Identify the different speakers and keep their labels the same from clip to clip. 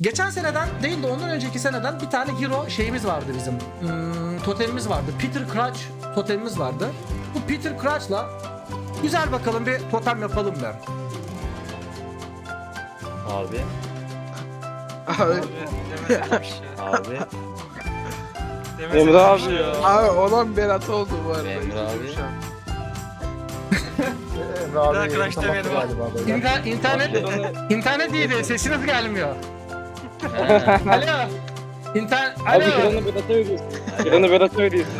Speaker 1: Geçen seneden değil de ondan önceki seneden bir tane hero şeyimiz vardı bizim. Totemimiz vardı. Peter Crouch totemimiz vardı. Bu Peter Crouch'la güzel bakalım bir totem yapalım ben.
Speaker 2: Abi.
Speaker 3: Abi,
Speaker 2: Abi.
Speaker 3: Emre abi ya. Abi olan Berat oldu bu arada.
Speaker 2: Emre abi.
Speaker 3: Üzüldüm şu an.
Speaker 4: Bir daha crash demeyelim abi.
Speaker 1: İnternet iyiydi. Sesiniz gelmiyor.
Speaker 2: He.
Speaker 1: Alo.
Speaker 2: Abi
Speaker 1: Alo.
Speaker 2: Kıran'ı Berat'a ödüyorsun. Kıran'ı Berat'a ödüyorsun.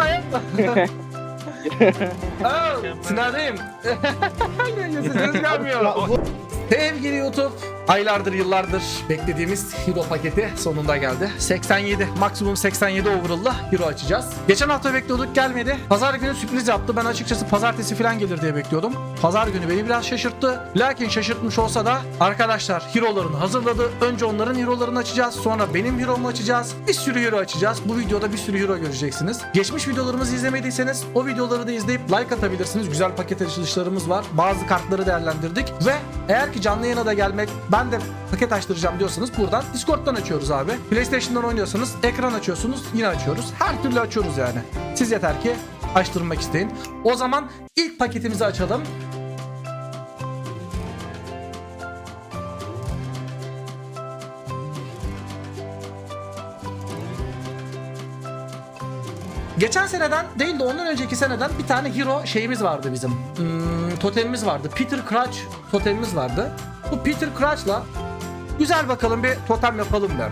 Speaker 1: Sınavdayım. Sesiniz gelmiyor. Sevgili YouTube, aylardır yıllardır beklediğimiz hero paketi sonunda geldi. 87, maksimum 87 overall'la hero açacağız. Geçen hafta bekliyorduk, gelmedi. Pazar günü sürpriz yaptı. Ben açıkçası pazartesi falan gelir diye bekliyordum. Pazar günü beni biraz şaşırttı. Lakin şaşırtmış olsa da arkadaşlar hero'larını hazırladı. Önce onların hero'larını açacağız. Sonra benim hero'mu açacağız. Bir sürü hero açacağız. Bu videoda bir sürü hero göreceksiniz. Geçmiş videolarımızı izlemediyseniz o videoları da izleyip like atabilirsiniz. Güzel paket açılışlarımız var. Bazı kartları değerlendirdik ve eğer ki canlı yayına da gelmek, ben de paket açtıracağım diyorsanız buradan Discord'dan açıyoruz abi. PlayStation'dan oynuyorsanız ekran açıyorsunuz, yine açıyoruz. Her türlü açıyoruz yani. Siz yeter ki açtırmak isteyin. O zaman ilk paketimizi açalım. Geçen seneden değil de ondan önceki seneden bir tane hero şeyimiz vardı bizim. Totemimiz vardı. Peter Crouch totemimiz vardı. Bu Peter Crouch'la güzel bakalım bir totem yapalım ben.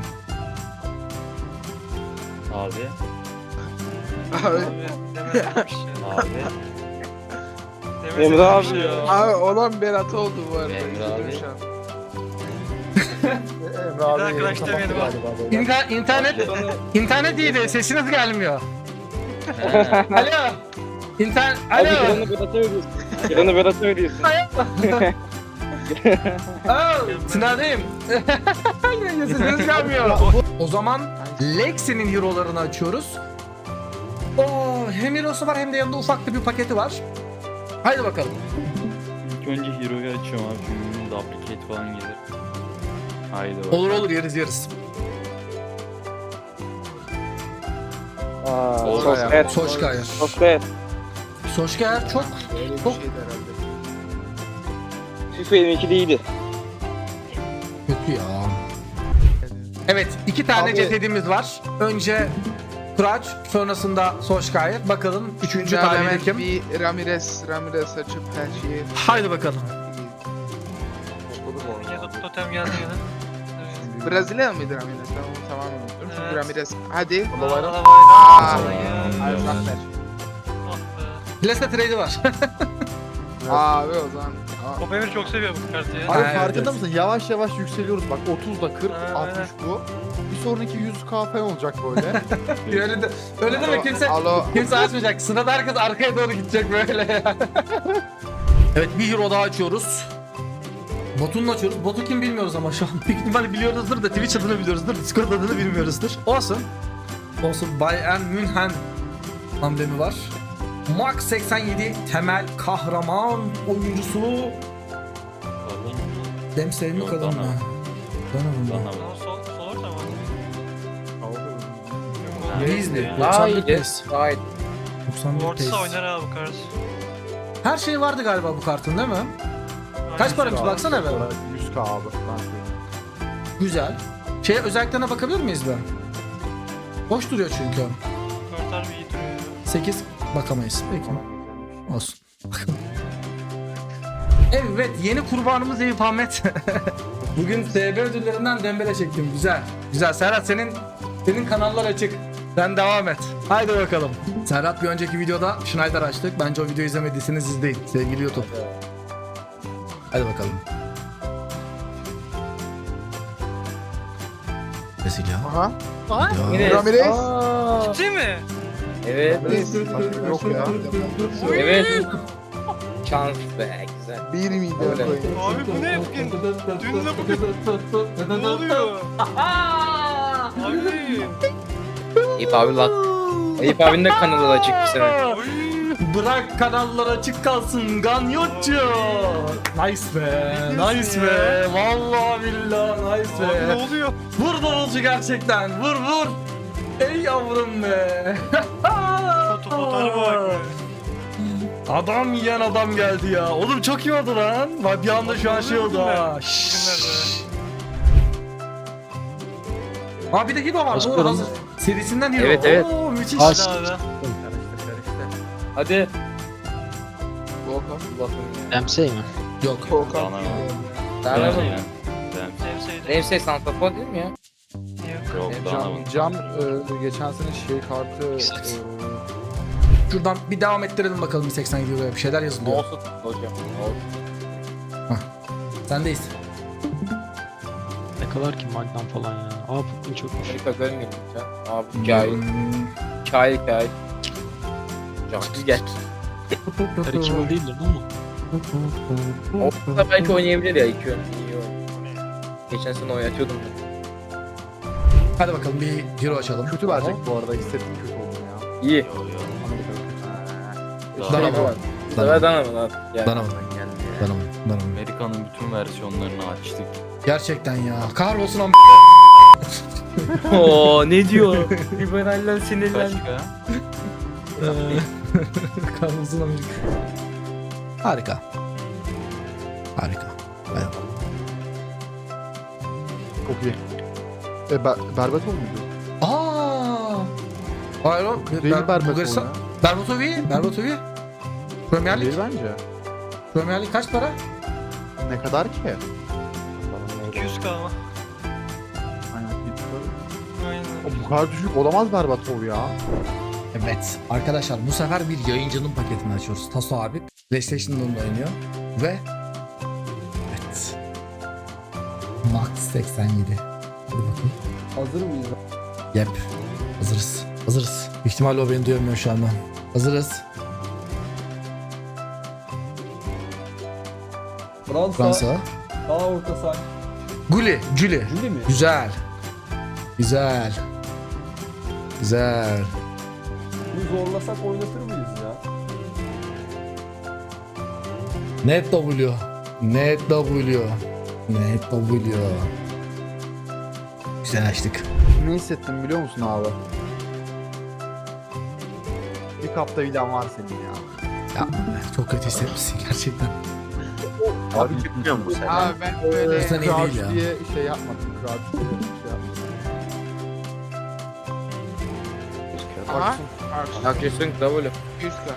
Speaker 2: Abi.
Speaker 3: Abi,
Speaker 2: Abi.
Speaker 3: Emre abi ya. Abi olan Berat oldu bu arada.
Speaker 2: Emre
Speaker 3: Üzüldüm
Speaker 2: abi.
Speaker 3: şu an.
Speaker 4: Bir daha crash demeyelim abi.
Speaker 1: İnternet iyiydi. Sesiniz gelmiyor.
Speaker 2: He.
Speaker 1: Alo.
Speaker 2: Abi
Speaker 1: Alo.
Speaker 2: Kıran'ı Berat'a ödüyorsun. Kıran'ı Berat'a ödüyorsun.
Speaker 1: Sınavdayım. Sesiniz gelmiyor. O zaman Lexi'nin hero'larını açıyoruz. Hem hero'su var hem de yanında ufak da bir paketi var. Haydi bakalım.
Speaker 5: İlk önce Hero'yu açıyorum abi çünkü duplicate falan gelir. Haydi bakalım.
Speaker 1: Olur yeriz.
Speaker 3: Sosyal.
Speaker 1: Solskjaer.
Speaker 3: Sosyal.
Speaker 1: Solskjaer çok
Speaker 3: Öyle bir
Speaker 1: Çok-
Speaker 3: şeydi herhalde.
Speaker 2: FIFA 22'de iyiydi.
Speaker 1: kötü ya. Evet, iki tane
Speaker 3: Abi-
Speaker 1: cesedimiz var. Önce Crouch, sonrasında Solskjaer. Bakalım üçüncü
Speaker 3: Hemen
Speaker 1: talihli kim?
Speaker 3: bir Ramirez açıp her şeyi.
Speaker 1: Haydi bakalım.
Speaker 4: Totem geldi yine.
Speaker 3: Brezilya mıydı Ramirez? Ben onu tamamen unuttum. Çünkü
Speaker 4: Evet.
Speaker 3: Ramirez. Hadi.
Speaker 4: Aa,
Speaker 1: Plesa trade'i var.
Speaker 3: Abi o zaman.
Speaker 4: Top Emir çok seviyor bu kartı ya.
Speaker 1: Abi,
Speaker 6: Abi farkında
Speaker 1: evet.
Speaker 6: mısın? Yavaş yavaş yükseliyoruz. Bak 30'da 40,
Speaker 4: Aynen.
Speaker 6: 60 bu. Bir sonraki 100k falan olacak böyle.
Speaker 1: öyle deme kimse.
Speaker 3: Alo.
Speaker 1: Kimse açmayacak. Sırada herkes arkaya doğru gidecek böyle. Evet, bir hero daha açıyoruz. Bot'unu açıyoruz. Bot'u kim bilmiyoruz ama şu an. Büyük ihtimalle biliyoruzdur da Twitch adını biliyoruzdur. Discord adını bilmiyoruzdur. Olsun. Bayern München amblemi var. Max 87 temel kahraman oyuncusu.
Speaker 5: Kadın.
Speaker 1: Dempsey mi
Speaker 5: Yok,
Speaker 1: kadın mı?
Speaker 5: Dana.
Speaker 1: Dana mı?
Speaker 5: Bana bak.
Speaker 4: Sol orta mı?
Speaker 1: Beasley.
Speaker 2: Daha
Speaker 1: 91
Speaker 2: iyiydi.
Speaker 1: pace.
Speaker 2: Daha iyiydi.
Speaker 1: 91
Speaker 4: Ortası
Speaker 1: pace.
Speaker 4: oynar abi bu kart.
Speaker 1: Her şey vardı galiba bu kartın değil mi? Kaç paramış baksana be.
Speaker 6: 100k abi. Ben söyleyeyim.
Speaker 1: Güzel. Özelliklerine bakabilir miyiz be? Boş duruyor çünkü.
Speaker 4: Kart harbi iyi duruyor ya.
Speaker 1: 8 bakamayız. Peki. Olsun. Evet, yeni kurbanımız Eyüp Ahmet. Bugün TB ödüllerinden Dembele çektim. Güzel. Güzel. Serhat senin kanallar açık. Sen devam et. Haydi bakalım. Serhat bir önceki videoda Schneider açtık. Bence o videoyu izlemediyseniz izleyin sevgili YouTube. Hadi bakalım. Vesile.
Speaker 3: Aha.
Speaker 1: Ya.
Speaker 3: Ramirez.
Speaker 4: Ciddi mi?
Speaker 2: Evet.
Speaker 3: Ramirez. Yok ya.
Speaker 2: Evet. Şans be güzel.
Speaker 3: 1 milyon
Speaker 2: Öyle.
Speaker 3: koyun.
Speaker 4: Abi bu ne bugün? Dün de bugün. Ne oluyor? Abi.
Speaker 2: Eyüp abi lan. Eyüp abinin de kanalı da açık bir sene.
Speaker 4: Oy.
Speaker 1: Bırak kanallar açık kalsın Ganyotçu. Nice be. Nice be. Vallahi billahi nice be.
Speaker 4: Ne oluyor?
Speaker 1: Vur davulcu gerçekten. Vur vur. Ey yavrum be.
Speaker 4: Fotoğrafa bak be.
Speaker 1: Adam yiyen adam geldi ya. Oğlum çok iyi oldu lan. Bak bir anda şu an şey oldu ha. Şşş. Aa bir de Hiro var. Doğru hazır. Serisinden Hiro.
Speaker 2: Evet, evet.
Speaker 1: Oo, müthiş.
Speaker 4: Hadi abi.
Speaker 2: Hadi.
Speaker 3: Volkan.
Speaker 2: Allah'ım ya.
Speaker 7: Ramsey mi?
Speaker 1: Yok.
Speaker 3: Volkan.
Speaker 5: Dana.
Speaker 2: Daha ne
Speaker 5: Dana.
Speaker 2: yapalım?
Speaker 4: Sevseydim.
Speaker 2: Remsey santrafor değil mi ya?
Speaker 5: Yok Dana.
Speaker 6: Cam geçen sene şey kartı
Speaker 1: Şuradan bir devam ettirelim bakalım bir 87 euroya bir şeyler yazılıyor.
Speaker 2: Olsun hocam. Olsun.
Speaker 1: Sendeyiz.
Speaker 7: Ne kadar ki Magnum falan ya. Aa Pukun çokmuş.
Speaker 2: Amerika görmüyorum ya. Abi cahil. Cahil. Cahil gel.
Speaker 7: Her kim değildir değil mi?
Speaker 2: O da belki oynayabilir ya 2 oyun. İyi oyun. Geçen sene oynatıyordum ben.
Speaker 1: Hadi bakalım bir Hiro açalım.
Speaker 6: kötü verecek bu arada. Hissettim kötü oldum ya.
Speaker 2: İyi.
Speaker 6: Amerika'da kötü.
Speaker 1: Dana
Speaker 2: Dana
Speaker 1: mı?
Speaker 2: var. Bu sefer Dana mı lan? Yani.
Speaker 1: Dana mı? Danım.
Speaker 5: Amerika'nın bütün versiyonlarını açtık.
Speaker 1: Gerçekten ya. Kahrolsun am.
Speaker 2: Oo ne diyor? Liberaller sinirlendi.
Speaker 5: Başka?
Speaker 1: Kahrolsun Amerika. Harika. Harika. Evet.
Speaker 6: Çok iyi. Berbatov muydu?
Speaker 1: Aa! Hayır o.
Speaker 6: Değil Berbatov
Speaker 1: Bulgaristan.
Speaker 6: ya.
Speaker 1: Berbatov. Premier Lig.
Speaker 6: Değil bence.
Speaker 1: Premier Lig kaç para?
Speaker 6: Ne kadar ki?
Speaker 4: 200 kalma.
Speaker 6: Aynen.
Speaker 4: Aynen.
Speaker 6: O bu kadar düşük olamaz Berbatov ya.
Speaker 1: Evet. Arkadaşlar bu sefer bir yayıncının paketini açıyoruz. Taso abi PlayStation'da oynuyor. Ve evet. Max 87. Hadi bakalım.
Speaker 3: Hazır mıyız?
Speaker 1: Yep. Hazırız. Büyük ihtimalle o beni duyamıyor şu anda. Hazırız. Fransa.
Speaker 3: Sağ orta sağ.
Speaker 1: Juli.
Speaker 3: Jüli mi?
Speaker 1: Güzel.
Speaker 3: Bunu zorlasak oynatır mıyız ya?
Speaker 1: Net W. Güzel açtık.
Speaker 6: Ne hissettim biliyor musun abi? Bir kapta vidan var senin ya.
Speaker 1: Ya çok kötü hissetmişsin gerçekten.
Speaker 6: Abi çıkmıyor mu sen? Abi ben böyle
Speaker 1: Sen iyi değil ya.
Speaker 6: Crouch diye şey yapmadım. Crouch diye şey yapmadım.
Speaker 3: Aha.
Speaker 2: Akıyorsun W.
Speaker 3: 200 k.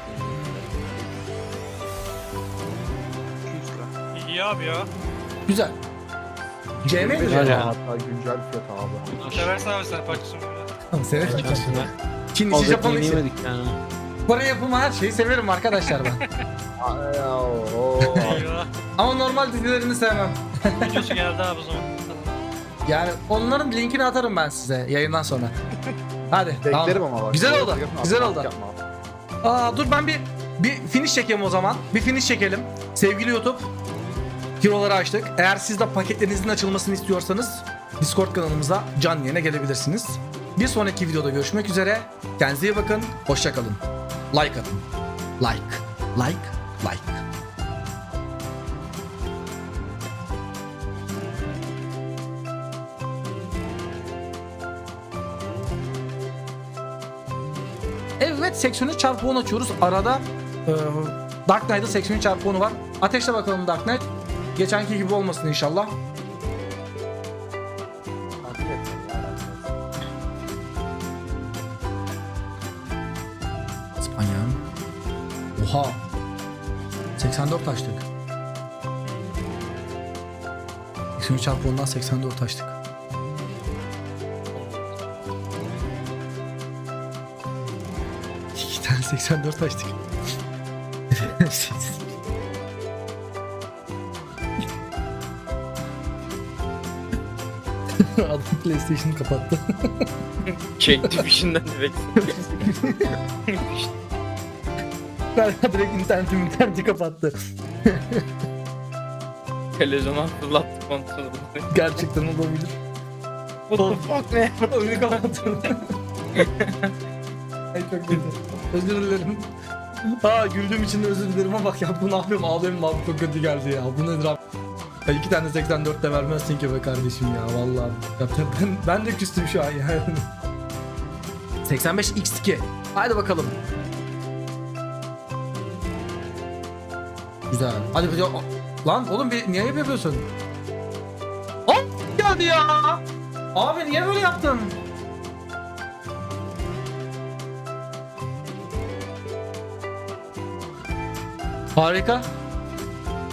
Speaker 3: 200 k.
Speaker 4: İyi abi ya.
Speaker 1: Güzel. CM mi?
Speaker 7: Güzel ya.
Speaker 6: Hatta güncel fiyat abi.
Speaker 4: Seversen abi sen parçasını böyle.
Speaker 1: Tamam severim.
Speaker 7: Geçen sene
Speaker 1: Çin işi
Speaker 7: fazla
Speaker 1: Japon işi.
Speaker 7: yemedik yani.
Speaker 1: Kore yapımı her şeyi severim arkadaşlar ben.
Speaker 4: Eyvah.
Speaker 1: Ama normal dizilerini sevmem.
Speaker 4: Videosu geldi abi o zaman.
Speaker 1: Yani onların linkini atarım ben size yayından sonra. Hadi. tamam.
Speaker 6: Beklerim ama bak.
Speaker 1: Güzel oldu,
Speaker 6: Yapma,
Speaker 1: güzel
Speaker 6: yapma,
Speaker 1: oldu.
Speaker 6: yapma.
Speaker 1: Dur ben bir finish çekeyim o zaman. Bir finish çekelim. Sevgili YouTube. Hero'ları açtık. Eğer siz de paketlerinizin açılmasını istiyorsanız Discord kanalımıza canlı yayına gelebilirsiniz. Bir sonraki videoda görüşmek üzere. Kendinize iyi bakın. Hoşça kalın. Like atın. Like. Evet 83/10 açıyoruz. Arada Dark Knight'da 83/10 var. Ateşle bakalım Dark Knight. Geçenki gibi olmasın inşallah. İspanya. Oha. 84 açtık. 83/10'dan 84 açtık. İki tane 84 açtık. Adam PlayStation'ı kapattı.
Speaker 2: Çekti fişinden direkt.
Speaker 1: Galiba direkt interneti kapattı.
Speaker 2: Televizyona fırlattı kontrolü.
Speaker 1: Gerçekten olabilir.
Speaker 2: What the fuck ne?
Speaker 1: Oyunu kapattım. Ay çok kötü. Özür dilerim. Ha güldüğüm için de özür dilerim ama bak ya bu ne yapıyorum ağlıyorum abi çok kötü geldi ya. Bu nedir abi? Ya 2 tane 84 de vermezsin ki be kardeşim ya vallahi. Ya ben de küstüm şu an yani. 85 x2. Haydi bakalım. Güzel. Hadi bir lan oğlum niye yapıyorsun? Hop geldi ya. Abi niye böyle yaptın? Harika.